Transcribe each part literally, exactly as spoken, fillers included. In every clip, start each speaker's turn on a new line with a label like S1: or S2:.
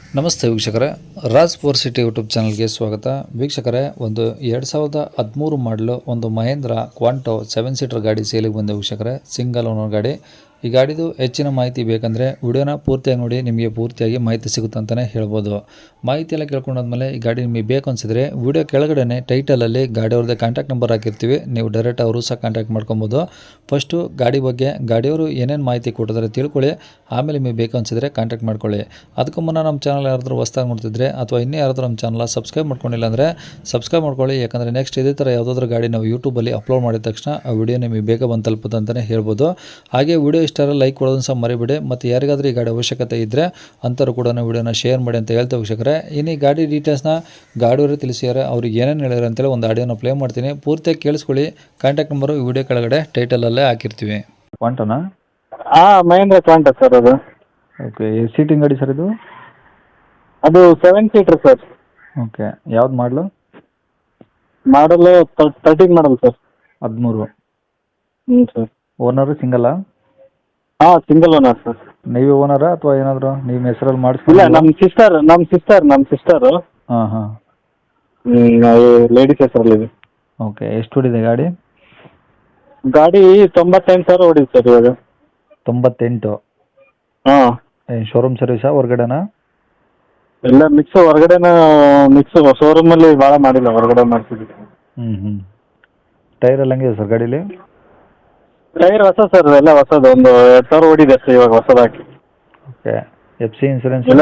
S1: ನಮಸ್ತೆ ವೀಕ್ಷಕರೇ, Raj four city YouTube ಚಾನಲ್ಗೆ ಸ್ವಾಗತ. ವೀಕ್ಷಕರೇ, ಒಂದು ಎರಡು ಸಾವಿರದ ಹದಿಮೂರು ಮಾಡಲು ಒಂದು ಮಹೇಂದ್ರ ಕ್ವಾಂಟೋ ಸೆವೆನ್ ಸೀಟರ್ ಗಾಡಿ ಸೇಲಿಗೆ ಬಂದ ವೀಕ್ಷಕರೇ, ಸಿಂಗಲ್ ಓನರ್ ಗಾಡಿ. ಈ ಗಾಡಿದು ಹೆಚ್ಚಿನ ಮಾಹಿತಿ ಬೇಕಂದರೆ ವಿಡಿಯೋನ ಪೂರ್ತಿಯಾಗಿ ನೋಡಿ, ನಿಮಗೆ ಪೂರ್ತಿಯಾಗಿ ಮಾಹಿತಿ ಸಿಗುತ್ತೆ ಅಂತಲೇ ಹೇಳ್ಬೋದು. ಮಾಹಿತಿ ಎಲ್ಲ ಕೇಳ್ಕೊಂಡಾದ್ಮೇಲೆ ಈ ಗಾಡಿ ನಿಮಗೆ ಬೇಕು ಅನಿಸಿದ್ರೆ ವಿಡಿಯೋ ಕೆಳಗಡೆ ಟೈಟಲಲ್ಲಿ ಗಾಡಿಯವ್ರದ್ದೇ ಕಾಂಟ್ಯಾಕ್ಟ್ ನಂಬರ್ ಹಾಕಿರ್ತೀವಿ, ನೀವು ಡೈರೆಕ್ಟ್ ಅವರು ಸಹ ಕಾಂಟ್ಯಾಕ್ಟ್ ಮಾಡ್ಕೊಬೋದು. ಫಸ್ಟು ಗಾಡಿ ಬಗ್ಗೆ ಗಾಡಿಯವರು ಏನೇನು ಮಾಹಿತಿ ಕೊಟ್ಟಿದ್ದಾರೆ ತಿಳ್ಕೊಳ್ಳಿ, ಆಮೇಲೆ ನಿಮಗೆ ಬೇಕು ಅನಿಸಿದ್ರೆ ಕಾಂಟ್ಯಾಕ್ಟ್ ಮಾಡ್ಕೊಳ್ಳಿ. ಅದಕ್ಕೂ ಮುನ್ನ ನಮ್ಮ ಚಾನಲ್ ಯಾರಾದರೂ ಹೊಸ್ದಾಗಿ ನೋಡ್ತಿದ್ರೆ ಅಥವಾ ಇನ್ನೂ ಯಾರಾದರೂ ನಮ್ಮ ಚಾನಲ್ ಸಬ್ಸ್ಕ್ರೈಬ್ ಮಾಡ್ಕೊಂಡಿಲ್ಲ ಅಂದರೆ ಸಬ್ಸ್ಕ್ರೈಬ್ ಮಾಡ್ಕೊಳ್ಳಿ. ಯಾಕಂದರೆ ನೆಕ್ಸ್ಟ್ ಇದೇ ಥರ ಯಾವುದಾದ್ರೂ ಗಾಡಿ ನಾವು ಯೂಟ್ಯೂಬಲ್ಲಿ ಅಪ್ಲೋಡ್ ಮಾಡಿದ ತಕ್ಷಣ ಆ ವಿಡಿಯೋ ನಿಮಗೆ ಬೇಗ ಬಂದು ತಲುಪುತ್ತೆ ಅಂತಲೇ ಹೇಳ್ಬೋದು. ಹಾಗೆ ವಿಡಿಯೋ ಇಷ್ಟಾರ ಲೈಕ್ ಕೊಡೋದನ್ನು ಸಹ ಮರಿಬೇಡಿ. ಮತ್ತು ಯಾರಿಗಾದ್ರೂ ಈ ಗಾಡಿ ಅವಶ್ಯಕತೆ ಇದ್ದರೆ ಅಂಥವ್ರು ಕೂಡ ವಿಡಿಯೋನ ಶೇರ್ ಮಾಡಿ ಅಂತ ಹೇಳ್ತಾ ವೀಕ್ಷಕರೇ, ಇನ್ನು ಈ ಗಾಡಿ ಡೀಟೇಲ್ಸ್ನ ಗಾಡಿಯವರು ತಿಳಿಸಿದ್ದಾರೆ, ಅವ್ರಿಗೆ ಏನೇನು ಹೇಳಿದ್ರು ಅಂತೇಳಿ ಒಂದು ಆಡಿಯೋನ ಪ್ಲೇ ಮಾಡ್ತೀನಿ, ಪೂರ್ತಿಯಾಗಿ ಕೇಳಿಸ್ಕೊಳ್ಳಿ. ಕಾಂಟ್ಯಾಕ್ಟ್ ನಂಬರು ವಿಡಿಯೋ ಕೆಳಗಡೆ ಟೈಟಲಲ್ಲೇ ಹಾಕಿರ್ತೀವಿ. ಕ್ವಾಂಟೋನಾ?
S2: ಹಾಂ, ಮಹೇಂದ್ರ ಕ್ವಾಂಟೋ ಸರ್ ಅದು.
S1: ಓಕೆ, ಸೀಟಿಂಗ್ ಗಾಡಿ ಸರ್ ಇದು?
S2: ಅದು ಸೆವೆನ್ ಸೀಟರ್ ಸರ್.
S1: ಓಕೆ, ಯಾವ್ದು ಮಾಡಲು?
S2: ಮಾಡಲು ತರ್ಟೀನ್ ಮಾಡಲ್ ಸರ್.
S1: ಹದಿಮೂರು.
S2: ಹ್ಞೂ ಸರ್.
S1: ಓನರು ಸಿಂಗಲ್ಲಾ?
S2: ಹಾಂ, ಸಿಂಗಲ್ ಓನರ್ ಸರ್.
S1: ನೀವೇ ಓನರಾ ಅಥವಾ ಏನಾದರೂ ನಿಮ್ಮ ಹೆಸರಲ್ಲಿ
S2: ಇಲ್ಲ,
S1: ಮಾಡಿಸ್ಕೊಂಡಿಲ್ಲ?
S2: ನಮ್ಮ ಸಿಸ್ಟರ್ ನಮ್ಮ ಸಿಸ್ಟರ್ ನಮ್ಮ ಸಿಸ್ಟರು
S1: ಹಾಂ ಹಾಂ.
S2: ಲೇಡೀಸ್ ಹೆಸರಲ್ಲಿದೆ.
S1: ಓಕೆ, ಎಷ್ಟು ಹೊಡಿದೆ ಗಾಡಿ?
S2: ಗಾಡಿ ತೊಂಬತ್ತೆಂಟು ಸಾವಿರ ಹೊಡಿದೆ ಸರ್ ಇವಾಗ.
S1: ತೊಂಬತ್ತೆಂಟು?
S2: ಹಾಂ.
S1: ಏನು ಶೋರೂಮ್ ಸರ್ವಿಸಾ ಹೊರಗಡೆನಾ?
S2: ಎಲ್ಲ ಮಿಕ್ಸ್, ಹೊರಗಡೆನ ಮಿಕ್ಸ್. ಶೋರೂಮಲ್ಲಿ ಭಾಳ ಮಾಡಿಲ್ಲ, ಹೊರಗಡೆ ಮಾಡಿಸಿದ್ವಿ.
S1: ಹ್ಞೂ ಹ್ಞೂ. ಟೈರ್ ಎಲ್ಲ ಹೆಂಗಿದೆ ಸರ್ ಗಾಡೀಲಿ?
S2: ಟೈರ್ ಹೊಸ ಸರ್, ಎಲ್ಲ ಹೊಸದು. ಒಂದು ಎರಡು ಸಾವಿರ ಹೊಡಿದೆ ಅಷ್ಟೇ ಇವಾಗ ಹೊಸದಾಗಿ.
S1: Okay, F C insurance?
S2: ಇಲ್ಲ,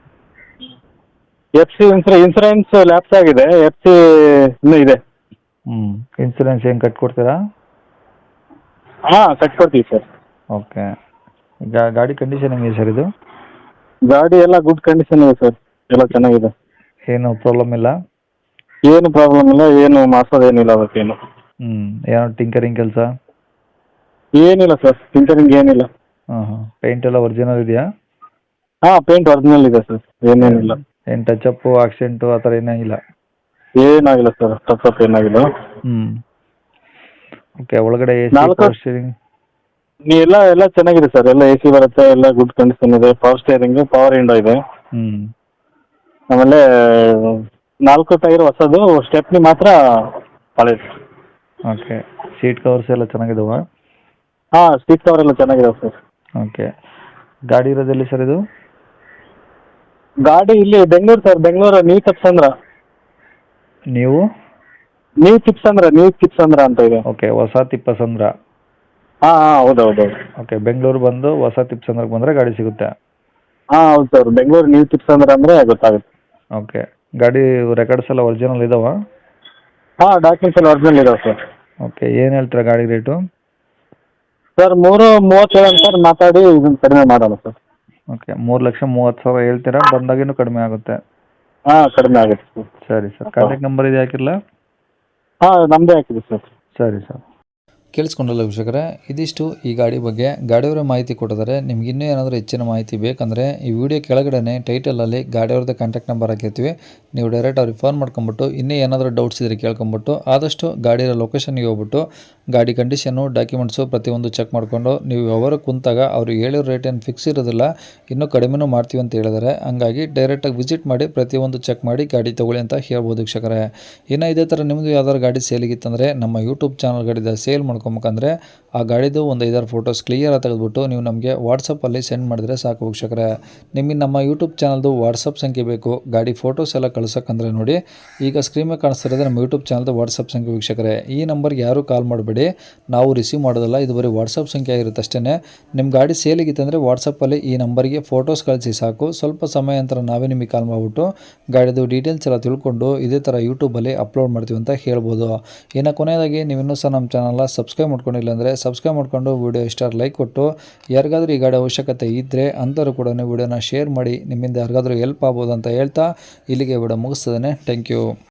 S2: F C insurance insurance lapse ಆಗಿದೆ, ಎಫ್ ಸಿ ಇನ್ನೂ ಇದೆ.
S1: ಹ್ಞೂ, ಇನ್ಸೂರೆನ್ಸ್ ಏನು ಕಟ್ಕೊಡ್ತೀರಾ?
S2: ಹಾಂ, ಕಟ್ಕೊಡ್ತೀವಿ ಸರ್.
S1: ಓಕೆ, ಈಗ ಗಾಡಿ ಕಂಡೀಷನ್ ಹೆಂಗಿದೆ ಸರ್ ಇದು?
S2: ಗಾಡಿ ಎಲ್ಲ ಗುಡ್ ಕಂಡೀಷನ್ ಇದೆ ಸರ್, ಎಲ್ಲ ಚೆನ್ನಾಗಿದೆ.
S1: ಏನು ಪ್ರಾಬ್ಲಮ್ ಇಲ್ಲ?
S2: ಏನು ಪ್ರಾಬ್ಲಮ್ ಇಲ್ಲ, ಏನು ಮಾಡ್ಸೋದೇನಿಲ್ಲ ಅದಕ್ಕೇನು.
S1: ಹ್ಞೂ, ಏನೋ ಟಿಂಕರಿಂಗ್ ಕೆಲಸ?
S2: ಏನಿಲ್ಲ ಸರ್, ಟಿಂಕರಿಂಗ್ ಏನಿಲ್ಲ.
S1: ಹಾಂ ಹಾಂ. ಪೇಂಟ್ ಎಲ್ಲ ಒರಿಜಿನಲ್ ಇದೆಯಾ?
S2: ಹಾಂ, ಪೇಂಟ್ ಒರಿಜಿನಲ್ ಇದೆ ಸರ್, ಏನೇನಿಲ್ಲ.
S1: ಏನು ಟಚಪ್ಪು ಆಕ್ಸಿಡೆಂಟು ಆ ಥರ ಏನೂ ಇಲ್ಲ?
S2: ಏನಾಗಿಲ್ಲ ಸರ್, ಟಚಪ್ ಏನಾಗಿಲ್ಲ.
S1: ಹ್ಞೂ. ಓಕೆ, ಒಳಗಡೆ ಎ ಸಿ,
S2: ನಾಲ್ಕು
S1: ಪವರ್ ಸ್ಟೀರಿಂಗ್?
S2: ನೀ ಎಲ್ಲ ಎಲ್ಲ ಚೆನ್ನಾಗಿದೆ ಸರ್, ಎಲ್ಲ ಎ ಸಿ ಬರುತ್ತೆ, ಎಲ್ಲ ಗುಡ್ ಕಂಡೀಷನ್ ಇದೆ. ಪವರ್ ಸ್ಟೇರಿಂಗು, ಪವರ್ ವಿಂಡೋ ಇದೆ.
S1: ಹ್ಞೂ.
S2: ಆಮೇಲೆ ನಾಲ್ಕು ಟೈರ್ ಹೊಸದು, ಸ್ಟೆಪ್ನಿ ಮಾತ್ರ ಹಳೇದು.
S1: ಓಕೆ, ಸೀಟ್ ಕವರ್ಸ್ ಎಲ್ಲ ಚೆನ್ನಾಗಿದಾವ?
S2: ಹಾಂ, ಸೀಟ್ ಕವರ್ ಎಲ್ಲ ಚೆನ್ನಾಗಿದೆ ಸರ್.
S1: ಓಕೆ, ಗಾಡಿ ಇರೋದೆಲ್ಲಿ ಸರ್ ಇದು?
S2: ಗಾಡಿ ಇಲ್ಲಿ ಬೆಂಗಳೂರು ಸರ್, ಬೆಂಗಳೂರು ನ್ಯೂ ತಿಪ್ಸಂದ್ರ.
S1: ನೀವು?
S2: ನ್ಯೂ ತಿಪ್ಸಂದ್ರ, ನ್ಯೂ ತಿಪ್ಸಂದ್ರ ಅಂತ ಇದೆ.
S1: ಓಕೆ, ಹೊಸ ತಿಪ್ಪಸಂದ್ರ.
S2: ಹಾಂ ಹಾಂ, ಹೌದು ಹೌದು ಹೌದು.
S1: ಓಕೆ, ಬೆಂಗಳೂರು ಬಂದು ಹೊಸ ತಿಪ್ಪಸಂದ್ರಕ್ಕೆ ಬಂದರೆ ಗಾಡಿ ಸಿಗುತ್ತೆ?
S2: ಹಾಂ ಹೌದು ಸರ್, ಬೆಂಗಳೂರು ನ್ಯೂ ತಿಪ್ಸಂದ್ರ ಅಂದರೆ ಗೊತ್ತಾಗುತ್ತೆ.
S1: ಓಕೆ, ಗಾಡಿ ರೆಕಾರ್ಡ್ಸ್ ಎಲ್ಲ ಒರಿಜಿನಲ್ ಇದಾವ?
S2: ಹಾಂ, ಡಾಕ್ಯುಮೆಂಟ್ಸ್ ಎಲ್ಲ ಒರಿಜಿನಲ್ ಇದಾವೆ ಸರ್.
S1: ಓಕೆ, ಏನು ಹೇಳ್ತೀರಾ ಗಾಡಿ ರೇಟು?
S2: ಸರ್ ಮೂರು ಮೂವತ್ತೇಳು ಅಂತ ಮಾತಾಡಿ ಇದನ್ನು ಕಡಿಮೆ ಮಾಡೋಣ ಸರ್.
S1: ಓಕೆ, ಮೂರು ಲಕ್ಷ ಮೂವತ್ತು ಸಾವಿರ ಹೇಳ್ತೀರಾ, ಬಂದಾಗಿನೂ ಕಡಿಮೆ ಆಗುತ್ತೆ?
S2: ಹಾಂ, ಕಡಿಮೆ ಆಗುತ್ತೆ ಸರ್.
S1: ಸರಿ ಸರ್, ಕಾಂಟ್ಯಾಕ್ಟ್ ನಂಬರ್ ಇದೆ ಹಾಕಿರಲ್ಲ?
S2: ಹಾಂ, ನಮ್ಮದೇ ಹಾಕಿದೆ ಸರ್.
S1: ಸರಿ ಸರ್. ಕೇಳಿಸ್ಕೊಂಡಲ್ಲ ವೀಕ್ಷಕರೇ, ಇದಿಷ್ಟು ಈ ಗಾಡಿ ಬಗ್ಗೆ ಗಾಡಿಯವರೇ ಮಾಹಿತಿ ಕೊಟ್ಟಿದ್ದಾರೆ. ನಿಮ್ಗೆ ಇನ್ನೂ ಏನಾದರೂ ಹೆಚ್ಚಿನ ಮಾಹಿತಿ ಬೇಕಂದರೆ ಈ ವಿಡಿಯೋ ಕೆಳಗಡೆ ಟೈಟಲಲ್ಲಿ ಗಾಡಿಯವ್ರದ್ದೇ ಕಾಂಟ್ಯಾಕ್ಟ್ ನಂಬರ್ ಹಾಕಿರ್ತೀವಿ, ನೀವು ಡೈರೆಕ್ಟ್ ಅವ್ರಿಗೆ ಫೋನ್ ಮಾಡ್ಕೊಂಬಿಟ್ಟು ಇನ್ನೂ ಏನಾದರೂ ಡೌಟ್ಸ್ ಇದ್ದರೆ ಕೇಳ್ಕೊಂಬಿಟ್ಟು ಆದಷ್ಟು ಗಾಡಿಯ ಲೊಕೇಶನ್ಗೆ ಹೋಗ್ಬಿಟ್ಟು ಗಾಡಿ ಕಂಡೀಷನ್ನು, ಡಾಕ್ಯುಮೆಂಟ್ಸು ಪ್ರತಿಯೊಂದು ಚೆಕ್ ಮಾಡಿಕೊಂಡು ನೀವು ವ್ಯವಹಾರ ಕುಂತಾಗ ಅವರು ಹೇಳಿರೋ ರೇಟ್ ಏನು ಫಿಕ್ಸ್ ಇರೋದಿಲ್ಲ, ಇನ್ನೂ ಕಡಿಮೆನೂ ಮಾಡ್ತೀವಿ ಅಂತ ಹೇಳಿದ್ದಾರೆ. ಹಂಗಾಗಿ ಡೈರೆಕ್ಟಾಗಿ ವಿಸಿಟ್ ಮಾಡಿ ಪ್ರತಿಯೊಂದು ಚೆಕ್ ಮಾಡಿ ಗಾಡಿ ತೊಗೊಳ್ಳಿ ಅಂತ ಹೇಳ್ಬೋದು ವೀಕ್ಷಕರೇ. ಇನ್ನು ಇದೇ ಥರ ನಿಮ್ಮದು ಯಾವ್ದಾದ್ರು ಗಾಡಿ ಸೇಲಿಗಿತ್ತಂದರೆ ನಮ್ಮ ಯೂಟ್ಯೂಬ್ ಚಾನಲ್ ಗಾಡಿದ ಸೇಲ್ ಮಾಡ್ಕೊಬೇಕಂದ್ರೆ ಆ ಗಾಡಿದು ಒಂದು ಐದಾರು ಫೋಟೋಸ್ ಕ್ಲಿಯರಾಗಿ ತೆಗೆದುಬಿಟ್ಟು ನೀವು ನಮಗೆ ವಾಟ್ಸಪ್ಪಲ್ಲಿ ಸೆಂಡ್ ಮಾಡಿದ್ರೆ ಸಾಕು ವೀಕ್ಷಕರೇ. ನಿಮಗೆ ನಮ್ಮ ಯೂಟ್ಯೂಬ್ ಚಾನಲ್ದು ವಾಟ್ಸಪ್ ಸಂಖ್ಯೆ ಬೇಕು ಗಾಡಿ ಫೋಟೋಸ್ ಎಲ್ಲ ಕಳ್ಸೋಕ್ಕಂದ್ರೆ ನೋಡಿ, ಈಗ ಸ್ಕ್ರೀನ್ ಮೇಲೆ ಕಾಣಿಸ್ತಿರೋದು ನಮ್ಮ ಯೂಟ್ಯೂಬ್ ಚಾನಲ್ದು ವಾಟ್ಸಪ್ ಸಂಖ್ಯೆ ವೀಕ್ಷಕರೇ. ಈ ನಂಬರ್ಗೆ ಯಾರೂ ಕಾಲ್ ಮಾಡಬೇಡಿ, ನಾವು ರಿಸೀವ್ ಮಾಡೋದಲ್ಲ, ಇದು ಬರೀ ವಾಟ್ಸಪ್ ಸಂಖ್ಯೆ ಆಗಿರುತ್ತೆ ಅಷ್ಟೇ. ನಿಮ್ಮ ಗಾಡಿ ಸೇಲಿಗಿತ್ತಂದರೆ ವಾಟ್ಸಪ್ಪಲ್ಲಿ ಈ ನಂಬರ್ಗೆ ಫೋಟೋಸ್ ಕಳಿಸಿ ಸಾಕು. ಸ್ವಲ್ಪ ಸಮಯ ನಂತರ ನಾವೇ ನಿಮಗೆ ಕಾಲ್ ಮಾಡಿಬಿಟ್ಟು ಗಾಡಿದು ಡೀಟೇಲ್ಸ್ ಎಲ್ಲ ತಿಳ್ಕೊಂಡು ಇದೇ ಥರ ಯೂಟ್ಯೂಬಲ್ಲಿ ಅಪ್ಲೋಡ್ ಮಾಡ್ತೀವಿ ಅಂತ ಹೇಳ್ಬೋದು. ಇನ್ನು ಕೊನೆಯದಾಗಿ ನೀವು ಇನ್ನೂ ಸಹ ನಮ್ಮ ಚಾನಲ್ನ ಸಬ್ಸ್ಕ್ರೈಬ್ ಮಾಡ್ಕೊಂಡಿಲ್ಲ ಅಂದರೆ ಸಬ್ಸ್ಕ್ರೈಬ್ ಮಾಡ್ಕೊಂಡು ವಿಡಿಯೋ ಇಷ್ಟ ಲೈಕ್ ಕೊಟ್ಟು, ಯಾರಿಗಾದ್ರೂ ಈ ಗಾಡಿ ಅವಶ್ಯಕತೆ ಇದ್ದರೆ ಅಂಥವ್ರು ಕೂಡ ವಿಡಿಯೋನ ಶೇರ್ ಮಾಡಿ, ನಿಮ್ಮಿಂದ ಯಾರಿಗಾದ್ರೂ ಹೆಲ್ಪ್ ಆಗ್ಬೋದು ಅಂತ ಹೇಳ್ತಾ ಇಲ್ಲಿಗೆ ವಿಡಿಯೋ ಮುಗಿಸ್ತದೆ. Thank you.